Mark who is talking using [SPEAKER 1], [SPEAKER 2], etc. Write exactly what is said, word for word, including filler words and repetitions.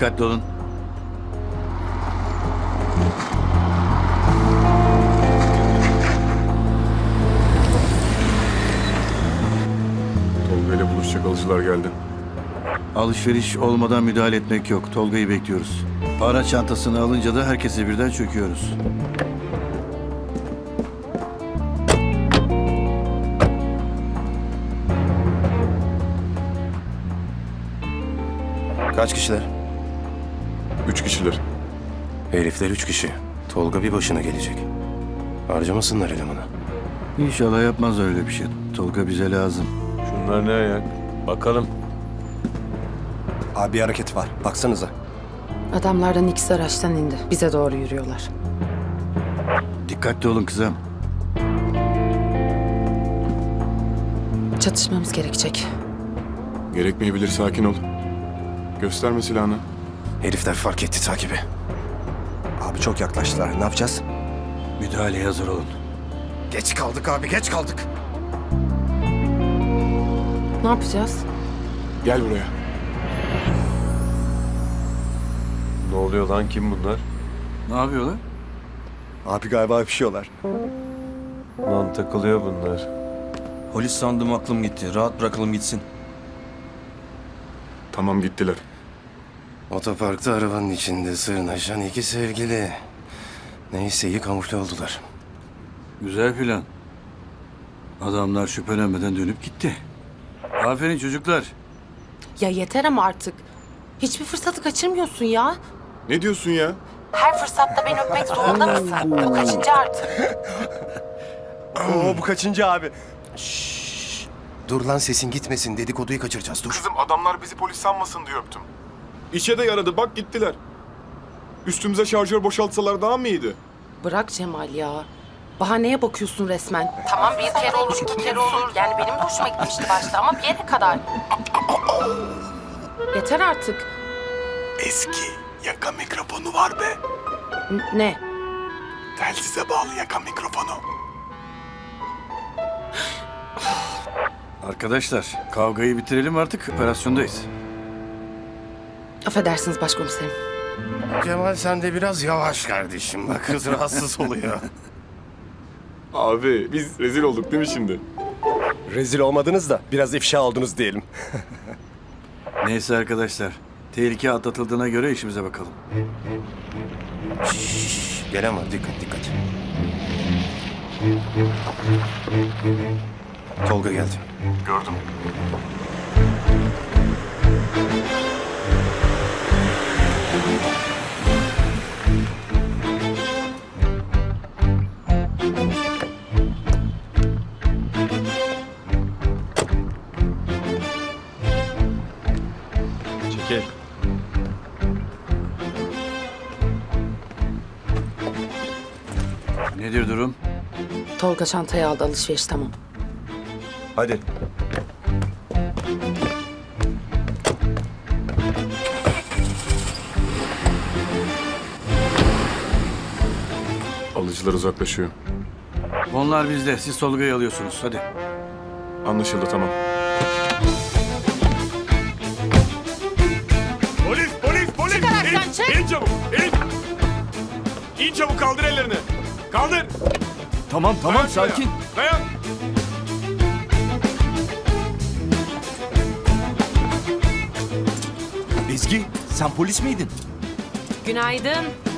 [SPEAKER 1] Dikkatli olun.
[SPEAKER 2] Tolga ile buluşacak alıcılar geldi.
[SPEAKER 1] Alışveriş olmadan müdahale etmek yok. Tolga'yı bekliyoruz. Para çantasını alınca da herkese birden çöküyoruz.
[SPEAKER 3] Kaç kişiler?
[SPEAKER 2] Üç kişiler.
[SPEAKER 3] Herifler üç kişi. Tolga bir başına gelecek. Harcamasınlar elemanı.
[SPEAKER 1] İnşallah yapmaz öyle bir şey. Tolga bize lazım.
[SPEAKER 4] Şunlar ne ayak? Bakalım.
[SPEAKER 5] Abi bir hareket var. Baksanıza.
[SPEAKER 6] Adamlardan ikisi araçtan indi. Bize doğru yürüyorlar.
[SPEAKER 1] Dikkatli olun kızım.
[SPEAKER 6] Çatışmamız gerekecek.
[SPEAKER 2] Gerekmeyebilir, sakin ol. Gösterme silahını.
[SPEAKER 3] Herifler fark etti takibi.
[SPEAKER 5] Abi çok yaklaştılar. Ne yapacağız?
[SPEAKER 1] Müdahaleye hazır olun.
[SPEAKER 3] Geç kaldık abi, geç kaldık.
[SPEAKER 6] Ne yapacağız?
[SPEAKER 2] Gel buraya.
[SPEAKER 4] Ne oluyor lan, kim bunlar?
[SPEAKER 1] Ne yapıyorlar?
[SPEAKER 5] Abi galiba öpüşüyorlar.
[SPEAKER 4] Lan takılıyor bunlar.
[SPEAKER 7] Polis sandım, aklım gitti. Rahat bırakalım gitsin.
[SPEAKER 2] Tamam, gittiler.
[SPEAKER 3] Otoparkta arabanın içinde sırnaşan iki sevgili. Neyse iyi kamufle oldular.
[SPEAKER 1] Güzel plan. Adamlar şüphelenmeden dönüp gitti. Aferin çocuklar.
[SPEAKER 6] Ya yeter ama artık. Hiçbir fırsatı kaçırmıyorsun ya.
[SPEAKER 2] Ne diyorsun ya?
[SPEAKER 6] Her fırsatta beni öpmek zorunda mısın? Bu kaçıncı artık?
[SPEAKER 5] Oo bu kaçıncı abi?
[SPEAKER 3] Dur lan, sesin gitmesin, dedikoduyu kaçıracağız, dur.
[SPEAKER 2] Kızım, adamlar bizi polis sanmasın diye öptüm. İşe de yaradı, bak gittiler. Üstümüze şarjör boşaltsalar daha mı iyiydi?
[SPEAKER 6] Bırak Cemal ya. Bahaneye bakıyorsun resmen. Tamam bir kere olur, iki kere olur. Yani benim de hoşuma gitmişti başta ama bir yere kadar. Yeter artık.
[SPEAKER 2] Eski yaka mikrofonu var be.
[SPEAKER 6] N- ne?
[SPEAKER 2] Telsize bağlı yaka mikrofonu.
[SPEAKER 1] Arkadaşlar kavgayı bitirelim artık. Operasyondayız.
[SPEAKER 6] Affedersiniz başkomiserim.
[SPEAKER 3] Cemal sen de biraz yavaş kardeşim, bak kız rahatsız oluyor.
[SPEAKER 2] Abi biz rezil olduk değil mi şimdi?
[SPEAKER 5] Rezil olmadınız da biraz ifşa oldunuz diyelim.
[SPEAKER 1] Neyse arkadaşlar. Tehlike atlatıldığına göre işimize bakalım.
[SPEAKER 3] Şşş, gelen var, dikkat dikkat. Tolga geldi.
[SPEAKER 2] Gördüm.
[SPEAKER 4] Çekil.
[SPEAKER 1] Nedir durum?
[SPEAKER 6] Tolga çantayı aldı, alışveriş tamam.
[SPEAKER 4] Hadi.
[SPEAKER 2] Alıcılar uzaklaşıyor.
[SPEAKER 1] Onlar bizde. Siz Tolga'yı alıyorsunuz. Hadi.
[SPEAKER 2] Anlaşıldı, tamam. Polis, polis, polis!
[SPEAKER 6] Çık araçtan, çık!
[SPEAKER 2] İn çabuk, in! İn çabuk, kaldır ellerini. Kaldır!
[SPEAKER 7] Tamam tamam
[SPEAKER 2] Dayan şuraya,
[SPEAKER 7] sakin.
[SPEAKER 2] Dayan!
[SPEAKER 7] Ezgi sen polis miydin?
[SPEAKER 6] Günaydın.